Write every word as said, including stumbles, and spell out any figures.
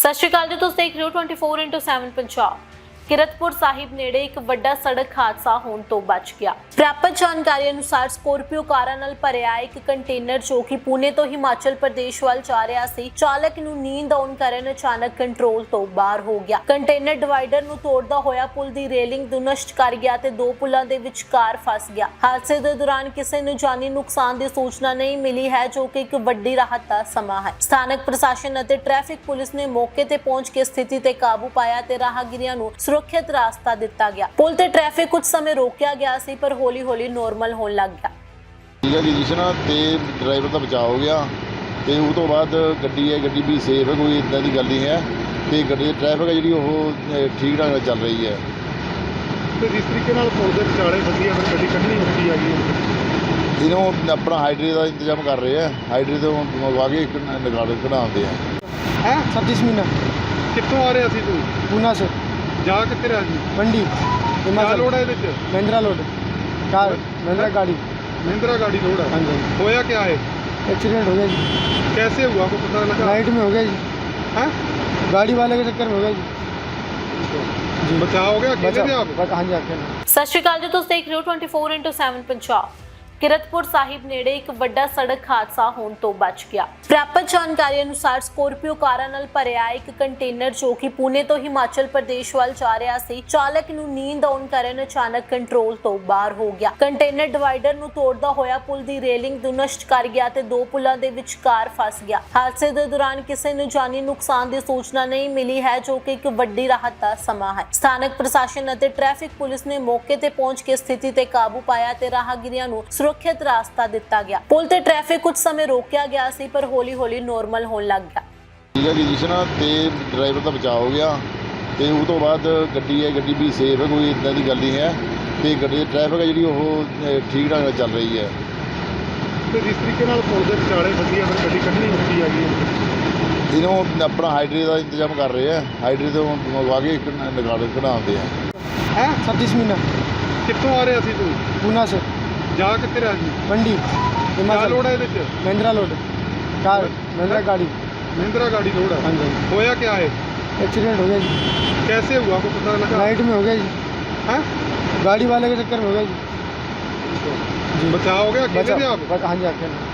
ਸਤਿ ਸ਼੍ਰੀ ਅਕਾਲ ਜੀ, ਤੁਸੀਂ ਦੇਖ ਰਹੇ ਹੋ ਚੌਵੀ ਇੰਟੂ ਸੱਤ ਪੰਜਾਬ। ਕਿਰਤਪੁਰ ਸਾਹਿਬ ਨੇੜੇ ਇੱਕ ਵੱਡਾ ਸੜਕ ਹਾਦਸਾ ਹੋਣ ਤੋਂ ਬਚ ਗਿਆ। ਪ੍ਰਾਪਤ ਜਾਣਕਾਰੀ ਅਨੁਸਾਰ ਸਕੋਰਪੀਓ ਕਾਰਾਂ ਨਾਲ ਭਰਿਆ ਇੱਕ ਕੰਟੇਨਰ ਜੋ ਕਿ ਪੁਣੇ ਤੋਂ ਹਿਮਾਚਲ ਪ੍ਰਦੇਸ਼ ਵੱਲ ਜਾ ਰਿਹਾ ਸੀ, ਚਾਲਕ ਨੂੰ ਨੀਂਦ ਆਉਣ ਕਾਰਨ ਅਚਾਨਕ ਕੰਟਰੋਲ ਤੋਂ ਬਾਹਰ ਹੋ ਗਿਆ। ਕੰਟੇਨਰ ਡਿਵਾਈਡਰ ਨੂੰ ਤੋੜਦਾ ਹੋਇਆ ਪੁਲ ਦੀ ਰੇਲਿੰਗ ਨੂੰ ਨਸ਼ਟ ਕਰ ਗਿਆ ਤੇ ਦੋ ਪੁਲਾਂ ਦੇ ਵਿਚਕਾਰ ਫਸ ਗਿਆ। ਹਾਦਸੇ ਦੇ ਦੌਰਾਨ ਕਿਸੇ ਨੂੰ ਜਾਨੀ ਨੁਕਸਾਨ ਦੀ ਸੂਚਨਾ ਨਹੀਂ ਮਿਲੀ ਹੈ, ਜੋ ਕਿ ਇੱਕ ਵੱਡੀ ਰਾਹਤ ਦਾ ਸਮਾਂ ਹੈ। ਸਥਾਨਕ ਪ੍ਰਸ਼ਾਸਨ ਅਤੇ ਟ੍ਰੈਫਿਕ ਪੁਲਿਸ ਨੇ ਮੌਕੇ ਤੇ ਪਹੁੰਚ ਕੇ ਸਥਿਤੀ ਤੇ ਕਾਬੂ ਪਾਇਆ ਤੇ ਰਾਹਗੀਰਾਂ ਨੂੰ ਸੁਰੱਖਿਅਤ ਰਾਸਤਾ ਦਿੱਤਾ ਗਿਆ। ਪੁਲ ਤੇ ਟ੍ਰੈਫਿਕ ਕੁਝ ਸਮੇਂ ਰੋਕਿਆ ਗਿਆ ਸੀ, ਪਰ ਹੌਲੀ ਹੌਲੀ ਨੋਰਮਲ ਹੋਣ ਲੱਗ ਗਿਆ। ਠੀਕ ਹੈ ਜੀ, ਜਿਸ ਨਾਲ ਤੇ ਡਰਾਈਵਰ ਦਾ ਬਚਾਅ ਹੋ ਗਿਆ ਤੇ ਉਸ ਤੋਂ ਬਾਅਦ ਗੱਡੀ ਹੈ ਗੱਡੀ ਵੀ ਸੇਫ ਹੈ, ਕੋਈ ਇਦਾਂ ਦੀ ਗੱਲ ਨਹੀਂ ਹੈ ਤੇ ਗੱਡੀ ਦੀ ਟ੍ਰੈਫਿਕ ਹੈ ਜਿਹੜੀ ਉਹ ਠੀਕ ਢੰਗ ਨਾਲ ਚੱਲ ਰਹੀ ਹੈ। ਤੇ ਜਿਸ ਤਰੀਕੇ ਨਾਲ ਪੁਲ ਦੇ ਵਿਚਾਲੇ ਵਧੀਆ ਫਿਰ ਗੱਡੀ ਕੱਢਣੀ ਔਖੀ ਆ ਗਈ। ਇਹਨੂੰ ਆਪਣਾ ਹਾਈਡਰੇ ਦਾ ਇੰਤਜ਼ਾਮ ਕਰ ਰਹੇ ਆ, ਹਾਈਡਰੇ ਤੋਂ ਮੰਗਵਾ ਕੇ ਇੱਕ ਨਿਕਾਲ ਕਢਾਉਂਦੇ ਆ। ਹੈ सतीश मीना ਕਿੱਥੋਂ ਆ ਰਿਹਾ ਸੀ ਤੂੰ? पूना से ਜਾ ਕਿੱਥੇ ਰਿਹਾ ਸੀ? मंडी ਕਿਆ हिमाचल ਲੋੜ ਹੈ ਇਹਦੇ ਚ? महिंद्रा लोड कार महिंद्रा गाड़ी। ਮਹਿੰਦਰਾ ਗਾੜੀ ਲੋੜ ਹੈ। हाँ जी ਹੋਇਆ क्या है? एक्सीडेंट हो गया जी, कैसे हुआ को पता लगा? नाइट में हो गया जी, हैं? गाड़ी वाले के चक्कर में हो गया जी। जी बचाव हो गया अकेले थे आप? बच- हाँ जी अकेले। ਸਤਿ ਸ਼੍ਰੀ ਅਕਾਲ ਜੀ, ਤੁਸੀਂ ਦੇਖ ਰਹੇ ਹੋ ਚੌਵੀ ਇੰਟੂ ਸੱਤ ਪੰਜਾਬ। ਕਿਰਤਪੁਰ ਸਾਹਿਬ ਨੇੜੇ ਇੱਕ ਵੱਡਾ ਸੜਕ ਹਾਦਸਾ ਹੋਣ ਤੋਂ ਬਚ ਗਿਆ। ਪ੍ਰਾਪਤ ਜਾਣਕਾਰੀ ਅਨੁਸਾਰ ਸਕੋਰਪੀਓ ਕਾਰਾਂ ਨਾਲ ਭਰਿਆ ਇੱਕ ਕੰਟੇਨਰ ਜੋ ਕਿ ਪੁਣੇ ਤੋਂ ਹਿਮਾਚਲ ਪ੍ਰਦੇਸ਼ ਵੱਲ ਜਾ ਰਿਹਾ ਸੀ, ਚਾਲਕ ਨੂੰ ਨੀਂਦ ਆਉਣ ਕਾਰਨ ਅਚਾਨਕ ਕੰਟਰੋਲ ਤੋਂ ਬਾਹਰ ਹੋ ਗਿਆ। ਕੰਟੇਨਰ ਡਿਵਾਈਡਰ ਨੂੰ ਤੋੜਦਾ ਹੋਇਆ ਪੁਲ ਦੀ ਰੇਲਿੰਗ ਨੂੰ ਨਸ਼ਟ ਕਰ ਗਿਆ ਤੇ ਦੋ ਪੁਲਾਂ ਦੇ ਵਿਚਕਾਰ ਫਸ ਗਿਆ। ਹਾਦਸੇ ਦੇ ਦੌਰਾਨ ਕਿਸੇ ਨੂੰ ਜਾਨੀ ਨੁਕਸਾਨ ਦੀ ਸੂਚਨਾ ਨਹੀਂ ਮਿਲੀ ਹੈ, ਜੋ ਕਿ ਇੱਕ ਵੱਡੀ ਰਾਹਤ ਦਾ ਸਮਾਂ ਹੈ। ਸਥਾਨਕ ਪ੍ਰਸ਼ਾਸਨ ਅਤੇ ਟ੍ਰੈਫਿਕ ਪੁਲਿਸ ਨੇ ਮੌਕੇ ਤੇ ਪਹੁੰਚ ਕੇ ਸਥਿਤੀ ਤੇ ਕਾਬੂ ਪਾਇਆ ਤੇ ਰਾਹਗੀਰਾਂ ਨੂੰ ਸੁਰੱਖਿਅਤ ਰਾਸਤਾ ਦਿੱਤਾ ਗਿਆ। ਪੁਲ ਤੇ ਟ੍ਰੈਫਿਕ ਕੁਝ ਸਮੇਂ ਰੋਕਿਆ ਗਿਆ ਸੀ, ਪਰ ਹੌਲੀ ਹੌਲੀ ਨੋਰਮਲ ਹੋਣ ਲੱਗ ਗਿਆ। ਠੀਕ ਹੈ ਜੀ, ਜਿਸ ਨਾਲ ਤੇ ਡਰਾਈਵਰ ਦਾ ਬਚਾਅ ਹੋ ਗਿਆ ਤੇ ਉਸ ਤੋਂ ਬਾਅਦ ਗੱਡੀ ਹੈ ਗੱਡੀ ਵੀ ਸੇਫ ਹੈ, ਕੋਈ ਇਦਾਂ ਦੀ ਗੱਲ ਨਹੀਂ ਹੈ ਤੇ ਗੱਡੀ ਦੀ ਟ੍ਰੈਫਿਕ ਹੈ ਜਿਹੜੀ ਉਹ ਠੀਕ ਢੰਗ ਨਾਲ ਚੱਲ ਰਹੀ ਹੈ। ਤੇ ਜਿਸ ਤਰੀਕੇ ਨਾਲ ਪੁਲ ਦੇ ਵਿਚਾਲੇ ਵਧੀਆ ਫਿਰ ਗੱਡੀ ਕੱਢਣੀ ਔਖੀ ਆ ਗਈ। ਇਹਨੂੰ ਆਪਣਾ ਹਾਈਡਰੇ ਦਾ ਇੰਤਜ਼ਾਮ ਕਰ ਰਹੇ ਆ, ਹਾਈਡਰੇ ਤੋਂ ਮੰਗਵਾ ਕੇ ਇੱਕ ਨਿਕਾਲ ਕਢਾਉਂਦੇ ਆ। ਹੈ सतीश मीना ਕਿੱਥੋਂ ਆ ਰਿਹਾ ਸੀ ਤੂੰ? पूना से ਜਾ ਕਿੱਥੇ ਰਿਹਾ ਸੀ? मंडी ਕਿਆ हिमाचल ਲੋੜ ਹੈ ਇਹਦੇ ਚ? महिंद्रा लोड कार महिंद्रा गाड़ी। ਮਹਿੰਦਰਾ ਗਾੜੀ ਲੋੜ हाँ ਹੈ। जी ਹੋਇਆ क्या है? एक्सीडेंट हो गया जी, कैसे हुआ को पता लगा? नाइट में हो गया जी, हैं? गाड़ी वाले के चक्कर में हो गया जी। जी बचाव हो गया अकेले थे बचा आप? बच- हाँ जी अकेले।